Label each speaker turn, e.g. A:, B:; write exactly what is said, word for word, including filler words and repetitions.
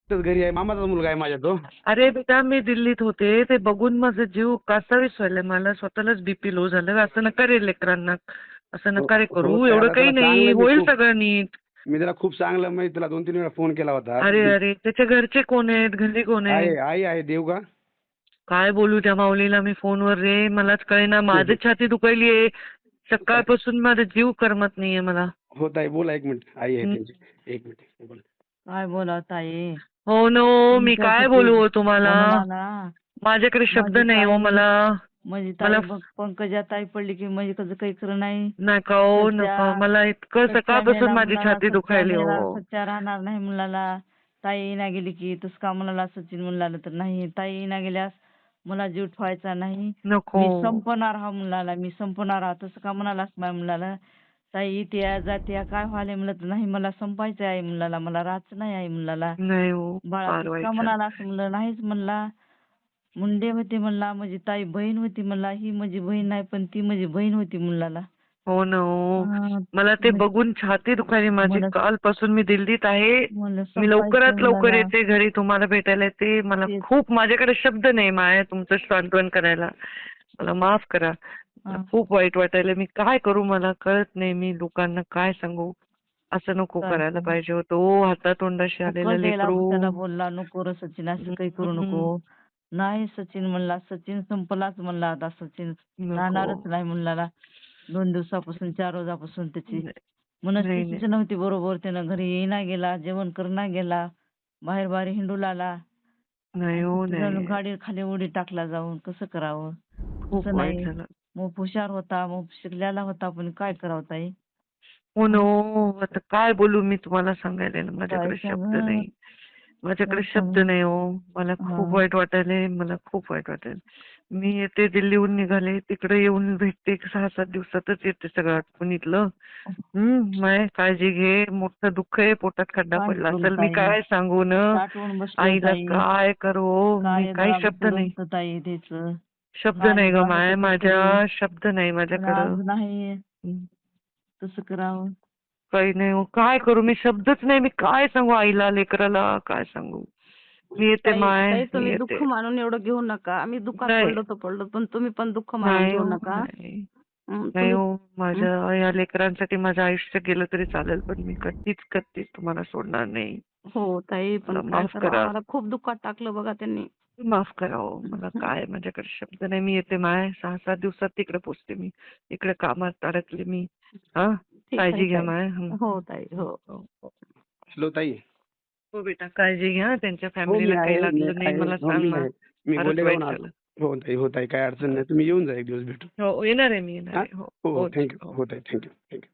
A: तोच घरी आहे, मामाचा मुलगा आहे माझ्या तो.
B: अरे बेटा मी दिल्लीत होते ते बघून माझा जीव कासावीस व्हायला, मला स्वतःलाच बीपी लो झालं. असं नका रे लेकरांना, असं
A: हो
B: नका रे
A: हो
B: करू,
A: ताई,
B: एवढं
A: आता
B: काही
A: त्याला
B: नाही,
A: चांगलं मी
B: होईल
A: खूप
B: सगळं नीट.
A: मी त्याला खूप चांगलं म्हणजे तुला दोन तीन वेळा फोन केला होता.
B: अरे अरे त्याच्या घरचे कोण आहेत, घरी कोण आहे?
A: आहे आई आहे देवगा.
B: काय बोलू त्या माऊलीला मी फोनवर रे, मलाच कळेना, माझी छाती दुखायलीये सकाळपासून, माझा जीव करमत नाहीये मला.
A: हो ताई बोला, एक मिनिट आई आहे
B: हं.
A: त्यांची, एक मिनिट बोला.
C: काय बोला ताई,
B: हो नो, मी काय
C: तुमच्यासाठी
B: बोलू हो तुम्हाला,
C: म्हणला ना,
B: माझ्याकडे शब्द
C: माझी
B: नाही हो
C: ताई
B: मला.
C: माझी
B: मला
C: ताई बघ, पंकजा ताई पडली की म्हणजे कसं काही खरं नाही.
B: नका हो नका,
C: सच्चा
B: मला इतकं
C: सच्चा
B: सकाळपासून
C: मेला
B: माझी
C: मुलाला,
B: छाती
C: सच्चा
B: दुखायली
C: मेला
B: हो.
C: सच्चा राहणार नाही मुलाला. ताई ना गेली की तस का म्हणाला सचिन म्हणला तर नाही, ताई ना गेल्यास मला जीव ठेवायचा नाही,
B: नको.
C: मी संपणार हा मुलाला, मी संपणार हा, तसं का म्हणालास माझ्या मुलाला. ताई त्या जात्या काय व्हायला म्हणलं तर नाही, मला संपायचं आहे मुलाला, मला राहायचं नाही आहे मुलाला.
B: नाही हो,
C: बाळा
B: फार
C: तसं
B: वाईट
C: का
B: झालं.
C: म्हणाला असं म्हणलं, नाहीच म्हणला. मुंडे होते म्हणला, माझी ताई बहीण होती म्हणला, ही माझी बहीण नाही पण ती माझी बहीण होती मुलाला.
B: हो ना हो,
C: हा,
B: मला ते
C: मग-
B: बघून छाती दुखायली माझी.
C: मला-
B: कालपासून मी दिल्लीत आहे,
C: मला
B: मी
C: संपायचं
B: लवकरात लवकर
C: मुलाला.
B: येते घरी तुम्हाला भेटायला येते. मला
C: तेच.
B: खूप, माझ्याकडे शब्द नाही माया तुमचं सांत्वन करायला, मला माफ करा. मला
C: हा.
B: खूप वाईट वाटायला, मी काय करू मला कळत नाही, मी लोकांना काय सांगू. असं नको
C: काय
B: करायला
C: सांगू?
B: पाहिजे होतं ओ, हातातोंडाशी आलेलं
C: कळलेला
B: लेकरू.
C: त्याला बोलला, नको रे सचिन असं काही करू नको. नाही सचिन म्हणला, सचिन संपलाच म्हणला आता, सचिन राहणारच नाही म्हणला. दोन दिवसापासून चार रोजापासून त्याची
B: नाही
C: मनस्थितीच नव्हती बरोबर, त्यानं घरी येईना गेला, जेवण करणा गेला, बाहेर बाहेर हिंडू लागला.
B: नाही हो, नाही
C: गाडी खाली उडी टाकला जाऊन, कसं करावं.
B: खूप
C: तसं
B: वाईट
C: नाही,
B: झालं.
C: मग हुशार होता, मग शिकलेला होता, पण काय करावं ताई.
B: हो ना हो, आता काय बोलू मी तुम्हाला सांगायला ना, माझ्याकडे
C: काय
B: शब्द
C: सांगू?
B: नाही, माझ्याकडे
C: काय
B: शब्द
C: सांगू?
B: नाही हो. मला खूप
C: हा.
B: वाईट वाटायलंय, मला खूप वाईट वाटेल. मी येते दिल्लीहून निघाले, तिकडे येऊन भेटते, सहा सात दिवसातच येते सगळं आटपून इथलं. हम्म, माय काळजी घे, मोठं दुःख आहे, पोटात खड्डा
C: काय
B: पडला
C: करू
B: असेल, मी
C: ताई?
B: काय सांगू न,
C: साठवून बसलोय
B: आईला
C: ताई.
B: काय करू, मी
C: काय
B: काही
C: जरा
B: शब्द नाही,
C: पुरवतं ताई त्याचं.
B: शब्द
C: काय
B: नाही ग
C: झालं
B: माय,
C: कसं
B: माझ्या
C: करू?
B: शब्द नाही
C: पण
B: माझ्याकडं.
C: आज नाही,
B: हम्म.
C: तसं करावं.
B: काही नाही हो, काय करू मी, शब्दच नाही, मी काय सांगू आईला लेकराला, काय सांगू. मी येते
D: ताई
B: माय,
D: ताई
B: मी
D: तुम्ही
B: येते.
D: दुःख मानून एवढं घेऊ नका. आम्ही दुःखात
B: नाही
D: पडलो तर पडलो, पण तुम्ही पण दुःख मानून
B: नाही
D: घेऊ
B: हो,
D: नका.
B: नाही
D: हं,
B: नाही
D: तुम्ही
B: हो, माझ्या या लेकरांसाठी माझं आयुष्य गेलं तरी चालेल, पण मी कधीच कधीच तुम्हाला सोडणार नाही.
D: हो ताई, पण
B: मला
D: काय
B: माफ
D: करावं,
B: करा,
D: आम्हाला खूप दुःखात टाकलं बघा त्यांनी.
B: माफ करा हो, मला काय माझ्याकडे शब्द नाही. मी येते माय, सहा सात दिवसात तिकडे पोचते मी, इकडे कामात अडकले मी. हा,
D: ठीक आहे
B: काळजी घ्या
D: ताई.
B: माय. हं.
D: हो ताई, हो.
B: हो हो.
A: हॅलो ताई.
B: हो बेटा, काळजी घ्या, त्यांच्या
A: हो मी
B: फॅमिलीला काही
A: आहे, मी
B: लागलं नाही
A: आहे,
B: मला
A: हो
B: सांग
A: मी
B: ना,
A: आहे, मी
B: फारच
A: गोलेगावहून
B: वाईट
A: आलो.
B: झालं.
A: हो ताई, हो ताई, काय अडचण नाही, तुम्ही येऊन जा एक दिवस भेटू.
B: हो येणार आहे मी, येणार
A: हा
B: आहे. हो
A: हो
B: हो
A: हो थँक्यू,
B: हो.
A: हो ताई, थँक्यू थँक्यू.